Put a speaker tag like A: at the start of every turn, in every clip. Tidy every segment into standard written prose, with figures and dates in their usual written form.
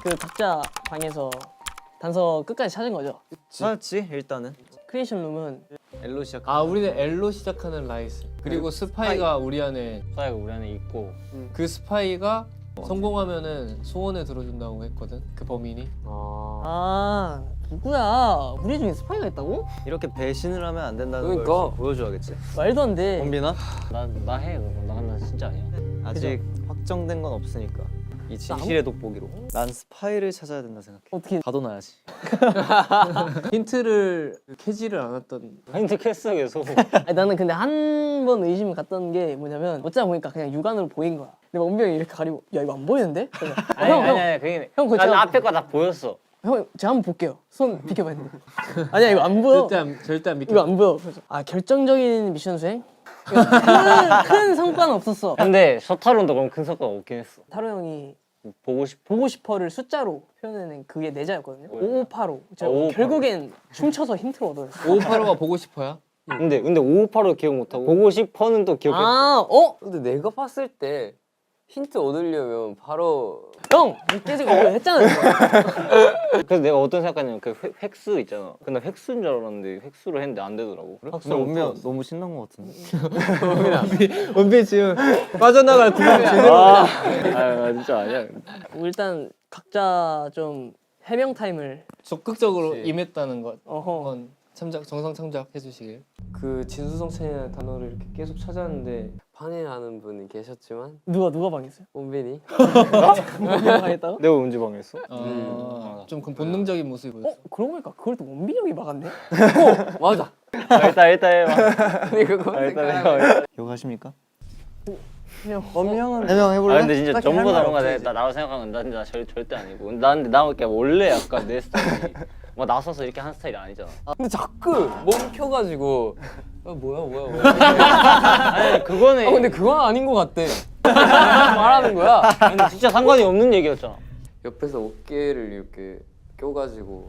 A: 그 각자 방에서 단서 끝까지 찾은 거죠?
B: 찾았지 일단은.
A: 크리에이션 룸은
B: L로 시작.
C: 아 우리는 L로 시작하는 라이스. 그리고 스파이가 우리 안에
D: 있고
C: 그 스파이가 성공하면은 소원을 들어준다고 했거든. 그 범인이.
A: 아 누구야? 우리 중에 스파이가 있다고?
B: 이렇게 배신을 하면 안 된다는
E: 그러니까.
B: 걸 보여줘야겠지.
A: 말도 안 돼.
B: 범빈아?
D: 나 해 그럼 나 진짜 아니야.
B: 아직 확정된 건 없으니까 이 진실의 돋보기로. 난 스파이를 찾아야 된다 생각해.
A: 어떻게?
B: 가둬놔야지.
C: 힌트를 캐지를 않았던.
D: 힌트 캤어 계속.
A: 아니, 나는 근데 한 번 의심을 갔던 게 뭐냐면 어쩌다 보니까 그냥 육안으로 보인 거야. 근데 원빈 형이 이렇게 가리고 야 이거 안 보이는데? 그래서,
D: 아니 그게
A: 형 그거
D: 난
A: 제가
D: 앞에 거 다 보였어.
A: 형 제가 한번 볼게요. 손 비켜봐 했는데 아니야 이거 안 보여.
C: 절대 안 믿겨.
A: 이거 안 보여. 그래서 아 결정적인 미션 수행? 큰 성과는 없었어.
D: 근데 셔타론도 그럼 큰 성과가 없긴 했어.
A: 타로 형이
D: 보고
A: 싶어를 숫자로 표현해낸 그게 내자였거든요.
D: 뭐야?
A: 5585. 제가
D: 5585.
A: 결국엔 춤춰서 힌트를 얻어냈어.
C: 5585가 보고 싶어야?
D: 근데 5585 기억 못하고 보고 싶어는 또 기억해.
A: 아, 어?
E: 근데 내가 봤을 때 힌트 얻으려면 바로
A: 형! 깨지고 이거 했잖아요.
D: 그래서 내가 어떤 생각했냐면 그 획수 있잖아. 근데 획수인 줄 알았는데 획수로 했는데 안 되더라고.
B: 근데 원빈 너무 신난 것 같은데.
C: 원빈 지금 빠져나갈 구멍이 제대로.
D: 아 진짜 아니야.
A: 일단 각자 좀 해명 타임을
C: 적극적으로
E: 그치.
C: 임했다는 것.
A: 어허.
C: 한번 정상 참작해 주시길. 그 진수성찬이라는 단어를 이렇게 계속 찾았는데
E: 방해하는 분이 계셨지만
A: 누가 방했어요?
E: 원빈이
A: 누가 방했다고?
D: 내가 언제 방했어?
C: 좀 그런 본능적인 모습이 보였어.
A: 그러고 보니까 그걸 또 원빈이 형이 막았네?
E: 맞아.
D: 일단 해봐.
E: 근데 그거
D: 일단 해봐.
B: 기억하십니까?
A: 형
B: 원빈 형은 해명해볼래?
D: 근데 진짜
B: 딱히
D: 전부
B: 할
D: 다
B: 말
D: 그런 거야.
B: 없지,
D: 나라고 생각하는 건 나 절대 아니고. 근데 나 이렇게 원래 약간 내 스타일이 뭐 나서서 이렇게 하는 스타일이 아니잖아.
E: 근데 자꾸 멈춰가지고 뭐야
D: 아니 그거는
E: 근데 그건 아닌 것 같대. 말하는 거야.
D: 근데 진짜 상관이 없는 얘기였잖아.
E: 옆에서 어깨를 이렇게 껴가지고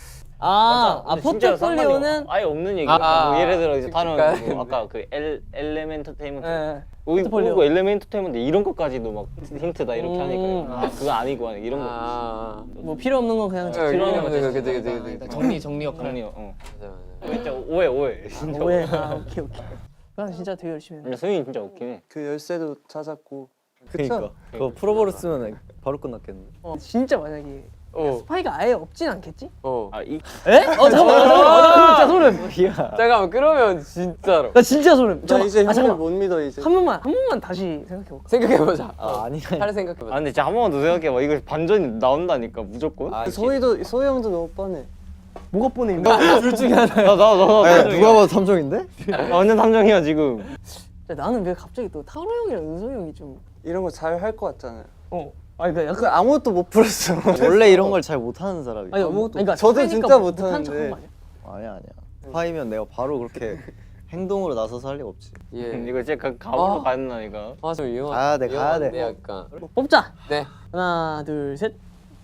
D: 근데 진짜 상관이
A: 포트폴리오는
D: 아예 없는 얘기야.
E: 아,
D: 뭐 예를 들어 이제 다른
E: 그러니까.
D: 뭐 아까 그 엘레멘터테인먼트
A: 예.
D: 포트폴리오 엘레멘터테인먼트 이런 것까지도 막 힌트다 이렇게 하니까 아 그거 아니고 이런 거
A: 뭐 필요 없는 건 그냥
D: 필요한 거
E: 그치.
C: 정리 역할.
D: 정리
E: 맞아.
D: 진짜 오해 진짜
A: 오해. 아 오케이. 난 진짜 되게 열심히 했네.
D: 근데 소윤이 진짜 웃긴 해.
B: 그 열쇠도 찾았고.
D: 그쵸?
B: 그러니까 그거 풀어버렸으면 바로 끝났겠네.
A: 진짜 만약에 스파이가 아예 없진 않겠지?
D: 아이
A: 에? 잠깐만. 진짜 소름.
E: 잠깐만 그러면 진짜로
A: 나 진짜 소름.
B: 나 이제 형을
A: 잠깐만.
B: 못 믿어 이제.
A: 한 번만 다시 생각해볼까?
E: 생각해보자.
B: 아니.
E: 잘 생각해보자.
D: 아 근데 진짜 한 번만 더 생각해봐. 이거 반전이 나온다니까 무조건.
B: 소희 형도 너무 뻔해.
A: 뭐가 뻔해?
B: 둘 중에 하나.
D: 나
B: 누가 봐도 탐정인데?
D: 완전 탐정이야 지금.
A: 나는 왜 갑자기 또 타로 형이랑 은성이 형이 좀
B: 이런 거 잘 할 것 같잖아요.
A: 아니 그러니까 약간
B: 아무것도 못 풀었어. 원래 이런 걸 잘 못하는 사람이.
A: 아니 그러니까
B: 저도
A: 스파이니까
B: 진짜
A: 못한
B: 못하는데.
A: 척한 거 아니야?
B: 아니야. 스파이면 내가 바로 그렇게 행동으로 나서서 할 리가 없지.
E: 예.
D: 이거 진짜 가오로
E: 아.
D: 가는 나니까.
E: 좀 위험한.
B: 가야 돼, 가야 돼.
E: 위험한데, 약간.
A: 뽑자.
E: 네.
A: 하나 둘 셋.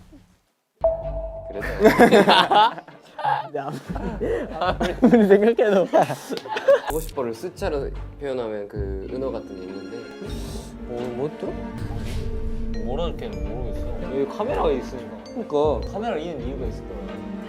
E: 그래도
A: 아무리 생각해도
E: 보고 싶어를 숫자로 표현하면 그 은어 같은 게 있는데 뭐 들어?
D: 뭐라 이렇게 모르겠어. 여기 카메라가 있으니까.
E: 그러니까
D: 카메라 있는 이유가 있을 거야.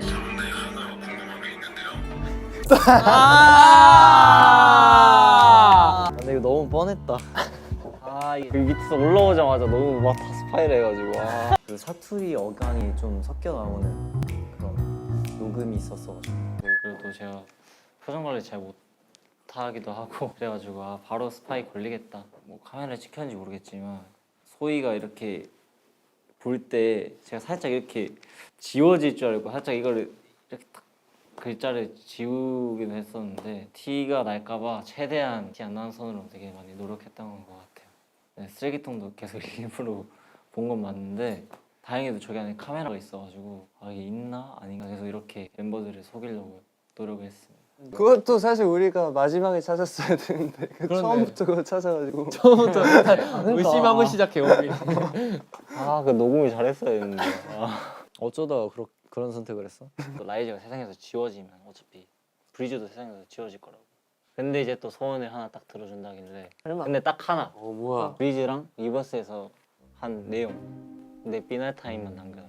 B: 근데 이거 너무 뻔했다.
D: 그 밑에서 올라오자마자 너무 막 다 스파이를 해가지고.
B: 그 사투리 어간이 좀 섞여 나오는 그런 녹음이 있었어가지고.
D: 그리고 제가 표정 관리 잘 못하기도 하고 그래가지고 바로 스파이 걸리겠다. 뭐 카메라를 찍혔는지 모르겠지만 소희가 이렇게 볼 때 제가 살짝 이렇게 지워질 줄 알고 살짝 이걸 이렇게 딱 글자를 지우기도 했었는데 티가 날까봐 최대한 티 안 나는 선으로 되게 많이 노력했던 것 같아요. 네, 쓰레기통도 계속 일부러 본 건 맞는데 다행히도 저기 안에 카메라가 있어가지고 이게 있나 아닌가 계속 이렇게 멤버들을 속이려고 노력을 했습니다.
B: 그것도 사실 우리가 마지막에 찾았어야 되는데 처음부터 그거 찾아가지고.
C: 처음부터 의심하고 시작해 원빈이.
D: 그 녹음을 잘했어야 했는데.
B: 어쩌다가 그런 선택을 했어?
D: 또 라이즈가 세상에서 지워지면 어차피 브리즈도 세상에서 지워질 거라고. 근데 이제 또 소원을 하나 딱 들어준다길래. 근데 딱 하나.
E: 뭐야?
D: 브리즈랑 리버스에서 한 내용. 내 비날 타임만 남겨.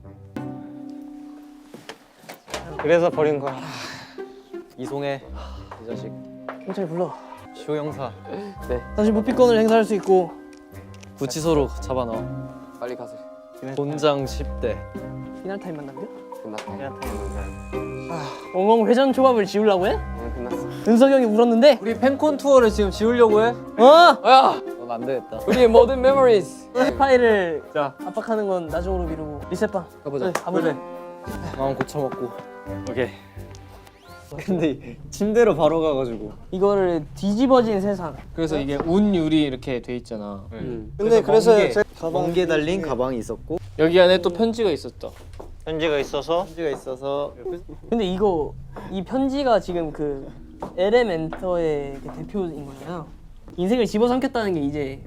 D: 그래서 버린 거야.
B: 이송해 이 자식.
A: 경찰 불러.
B: 시호 형사.
A: 다시 무피권을 행사할 수 있고.
B: 구치소로 잡아넣어.
E: 빨리 가세요.
B: 곤장 10대.
A: 피날 타임만 남겨?
E: 끝났다.
D: 비날 타임 남겨.
A: 엉엉 회전 초밥을 지우려고 해?
E: 끝났어.
A: 은석이 형이 울었는데.
C: 우리 팬콘 투어를 지금 지우려고 해?
A: 어?
E: 야,
B: 넌 안 되겠다.
E: 우리의 모든 메모리즈.
A: 스파이를
C: 자.
A: 압박하는 건 나중으로 미루고 리셋방.
E: 가보자.
A: 네, 가보자.
B: 마음 고쳐먹고. 오케이. 근데 침대로 바로 가가지고.
A: 이거를 뒤집어진 세상.
C: 그래서 이게 운율이 이렇게 돼 있잖아.
B: 근데 그래서 멍게 달린 가방이 있었고
C: 여기 안에 또 편지가 있었다.
D: 편지가 있어서
B: 편지가 있어서
A: 근데 이 편지가 지금 그 엘레멘터의 그 대표인 거잖아요. 인생을 집어삼켰다는 게 이제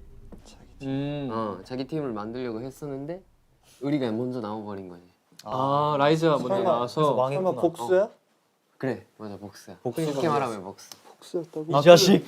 E: 자기 팀을 만들려고 했었는데 우리가 먼저 나와버린 거지.
C: 아 라이즈가 먼저 나와서
B: 망했구나.
F: 복수야?
E: 그래, 맞아, 복수야.
B: 복수가
E: 쉽게 말하면 복수.
F: 복수였다고?
B: 이 자식.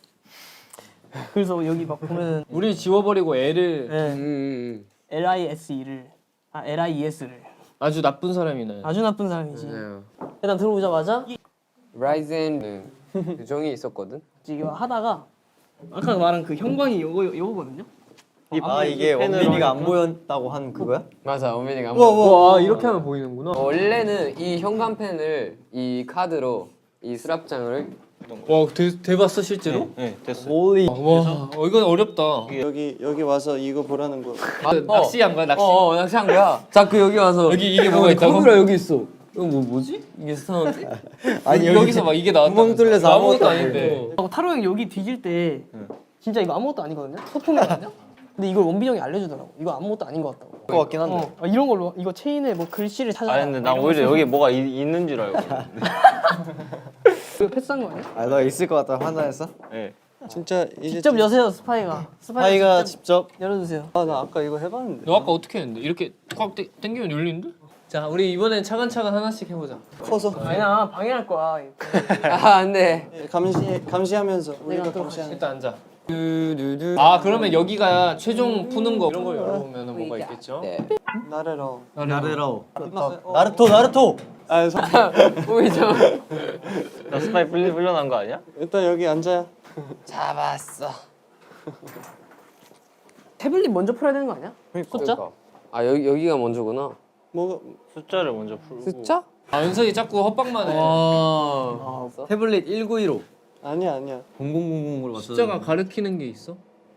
A: 그래서 여기 막 보면은
C: 우리 지워버리고 애를
A: 네, LISE를 LIES를
C: 아주 나쁜 사람이네.
A: 아주 나쁜 사람이지.
E: 맞아요.
A: 일단 들어오자마자
E: 라이젠은 규정이 있었거든.
A: 이거 하다가 아까 말한 그 형광이 요거거든요.
B: 아 이게 원빈이가 안 보였다고 한 그거야?
E: 맞아, 오민이가.
C: 와 이렇게 하면 보이는구나.
E: 원래는 이 현관펜을 이 카드로 이 수납장을
C: 와 대봤어 실제로?
D: 네 됐어.
B: 홀리.
C: 와 이건 어렵다.
F: 여기 와서 이거 보라는 거.
C: 낚시한 거야 낚시.
E: 낚시한 거야. 자꾸 여기 와서
C: 여기 이게 뭐가 있다고?
E: 카메라 여기 있어. 이거 뭐지? 이게 스타운데?
C: 아니 여기서 막 이게 나왔다.
B: 구멍 뚫려서 아무것도 안
C: 아닌데.
A: 타로 형 여기 뒤질 때 진짜 이거 아무것도 아니거든요. 소품이거든요. 근데 이걸 원빈 형이 알려주더라고. 이거 아무것도 아닌 것 같다고.
B: 것 같긴 한데.
A: 이런 걸로 이거 체인에 뭐 글씨를 찾아.
D: 아 근데 난 오히려 여기 뭐가 있는 줄 알고.
A: 이거 패스한 거 아니야?
B: 아 너 있을 것 같다 판단했어?
D: 네.
F: 진짜 이제
A: 직접 여세요 스파이가.
B: 스파이가 직접
A: 열어주세요.
F: 나 아까 이거 해봤는데.
C: 너 아까 어떻게 했는데? 이렇게 꽉 당기면 열리는데? 자 우리 이번엔 차근차근 하나씩 해보자.
F: 커서
A: 아니야 방해할 거야.
E: 안돼.
F: 감시하면서 우리가
A: 내가
F: 감시하는.
C: 일단 앉아. 아 그러면 여기가 최종 푸는 거 이런 거 열어보면 뭐가 있겠죠?
E: 네.
F: 나래로.
B: 나르라오. 나루토.
F: 아
E: 오미죠.
D: 나 스파이 불려난 거 아니야?
F: 일단 여기 앉아요.
E: 잡았어.
A: 태블릿 먼저 풀어야 되는 거 아니야? 숫자?
E: 아 여기가 먼저구나.
F: 뭐가
D: 숫자를 먼저 풀고.
E: 숫자?
C: 아 윤석이 자꾸 헛방만 해.
B: 태블릿 1915.
F: 아니야.
B: 0000으로 맞춰.
C: 숫자가 가르치는 게 있어?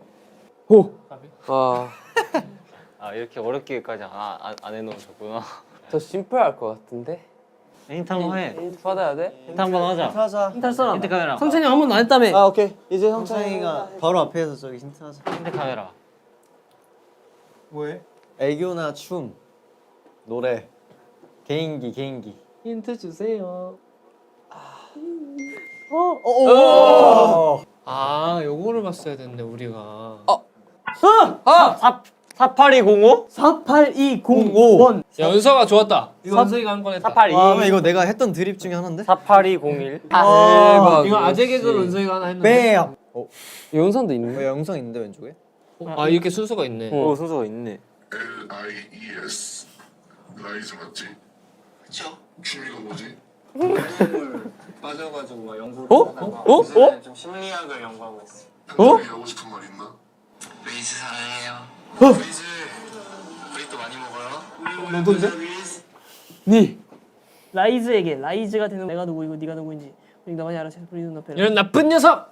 E: 아,
D: 아 이렇게 어렵게까지 안 해놓으셨구나.
E: 더 심플할 것 같은데.
D: 힌트 한번 해.
E: 힌트 받아야 돼?
D: 힌트 한번 하자.
F: 하자.
A: 힌트 할 사람.
D: 힌트 카메라.
A: 성찬이 형 한 번도 안 했다며.
F: 아 오케이. 이제
B: 성창이가 바로 앞에서 저기 힌트하자.
D: 힌트 카메라.
B: 뭐해? 애교나 춤, 노래, 개인기.
A: 힌트 주세요.
C: 아 요거를 봤어야 됐네 우리가.
D: 4820?
A: 48205번.
C: 야 윤석아 좋았다. 이거 윤석이가 한 건 했다.
D: 482.
B: 아 이거 내가 했던 드립 중에 하나인데?
D: 48201.
E: 대박.
C: 이거 아재 개그로 윤석이가 하나 했는데.
B: 뺨.
E: 영상도 있네.
B: 왜 영상 있는데 왼쪽에?
C: 아 이렇게 순서가 있네.
D: 오 순서가 있네.
G: LIES 라이즈 맞지? 그쵸? 취미가 뭐지?
H: 빠져가지고 막 연구를
D: 어?
H: 요새는 좀 심리학을 연구하고 있어.
G: 남들이 하고 싶은 말 있나?
H: 레이즈 사랑해요. 레이즈 우리 또 많이 먹어요. 너도인데?
A: 니. 라이즈에게 라이즈가 되는 내가 누구이고 네가 누구인지 우리 나만이 알아서 부리는 앞에.
C: 이런 나쁜 녀석.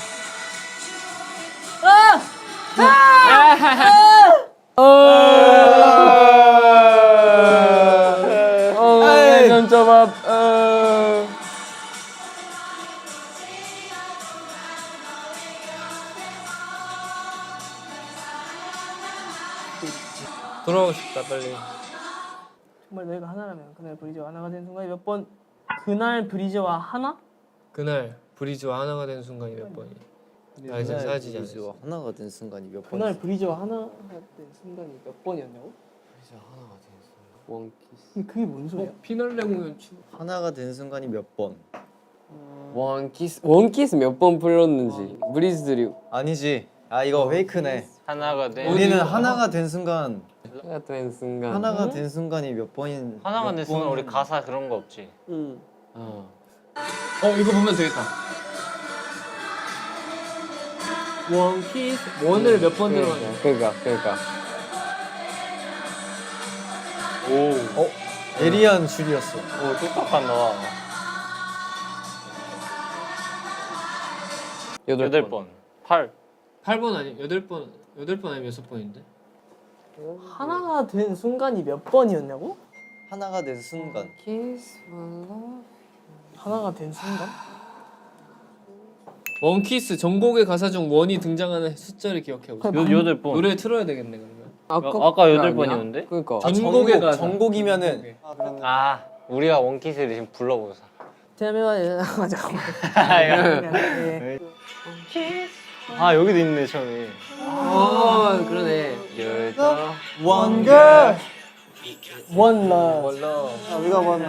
C: 돌아오고 싶다 빨리.
A: 정말 너희가 하나라면 그날 브리즈와 하나가 된 순간이 몇 번? 그날 브리즈와 하나?
C: 그날 브리즈와 하나가 된 순간이 몇 번이? 나 이제 사라지지 않았어.
B: 브리즈와 하나가 된 순간이 몇 번?
A: 그날 브리즈와 하나가 된 순간이 몇 번이었냐고?
E: 원키스.
A: 근데 그게 뭔 소리야?
C: 피날레 공연 치.
B: 하나가 된 순간이 몇 번?
E: 원키스 몇 번 불렀는지 브리즈들이
B: 아니지. 아 이거 페이크네.
D: 하나가 돼.
B: 우리는 하나가 된 순간
E: 하나가 된 순간.
B: 하나가 된 순간이 몇 번인
D: 하나가
B: 몇
D: 됐으면
B: 번-
D: 우리 가사 그런 거 없지.
F: 응.
C: 이거 보면 되겠다.
A: 원키스 원을 몇 번 들어가냐?
E: 그러니까.
B: 예리한 줄이었어.
D: 오 똑똑한다. 8번. 8.
C: 8번 아니 8번 아니면 6번인데?
A: 하나가 된 순간이 몇 번이었냐고?
B: 하나가 된 순간.
E: Kiss my love.
A: 하나가 된 순간?
C: 원키스 전곡의 가사 중 원이 등장하는 숫자를 기억해 보세요.
D: 8번.
C: 노래 틀어야 되겠네 그러면.
D: 아까
E: 그게
D: 8번이었는데?
E: 그러니까.
C: 전곡의 가사.
B: 전곡이면은
F: 아 그러네.
D: 아 우리가 원키스를 지금 불러보자.
A: 잠깐만. 예.
D: 아 여기도 있네 처음에.
E: 그러네.
F: One girl.
A: 원 러.
F: 아, 우리가 원.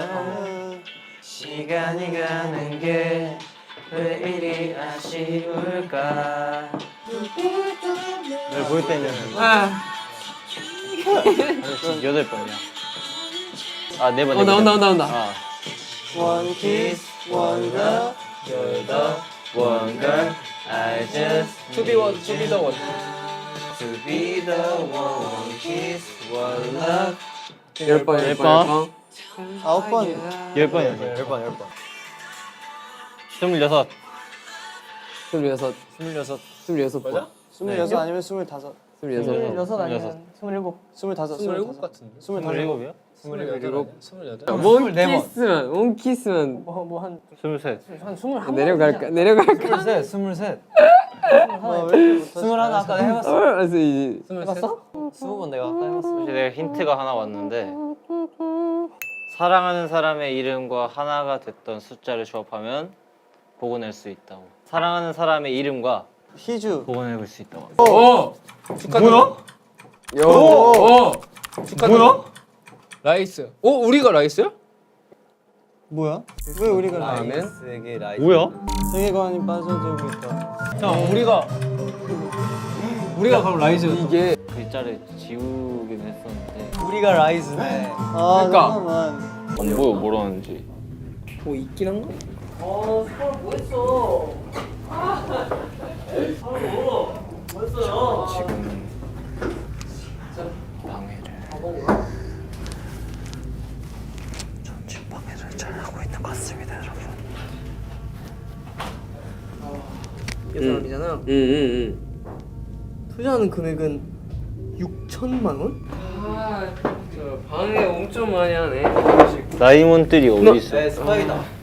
D: 시간이 가는 게 왜 이리 아쉬울까?
B: 널 볼 때는
D: 8번이야. 아 4번.
E: 나온다.
D: 아.
F: One kiss, one girl.
D: You're the one girl. I just
C: To be one, to be the one.
D: to be the one kiss, one love.
E: 10번.
F: 9번.
B: 10번이었어. 10번.
D: 26.
E: 26번.
F: 26 아니면 25.
A: 26 아니면 27.
F: 25.
C: 같은데.
D: 27이야?
C: 28.
E: 원키스만
A: 뭐한
D: 23.
A: 한 21.
E: 내려갈까?
B: 23.
F: 아, 왜 이렇게 못하지?
B: 21 아까 내가 해봤어.
E: 알았어 이제.
A: 해봤어?
B: 20번 내가 아까 해봤어.
D: 혹시 내가 힌트가 하나 왔는데 사랑하는 사람의 이름과 하나가 됐던 숫자를 조합하면 복원할 수 있다고. 사랑하는 사람의 이름과
F: 희주.
D: 복원해볼 수 있다고.
C: 축하드려. 뭐야? 축하드려. 라이스. 우리가 라이스야?
F: 뭐야? 왜 우리가
B: 라이스에게 라이스.
D: 뭐야?
F: 세계관이 빠져들고 있다.
C: 자, 우리가 그럼 라이스.
E: 이게
D: 글자를 지우긴 했었는데
B: 우리가 라이스네.
F: 아
E: 그러니까.
F: 잠깐만.
D: 안 보여 뭐라는지.
A: 뭐 있긴 한가? 서울 뭐 했어?
D: 지금 방해를 전진 방해를 잘 하고 있는 것 같습니다, 여러분.
A: 이 사람이잖아. 투자하는 금액은 6천만 원?
E: 방해 엄청 많이 하네.
D: 다이몬들이 어디 있어?
B: 스파이다.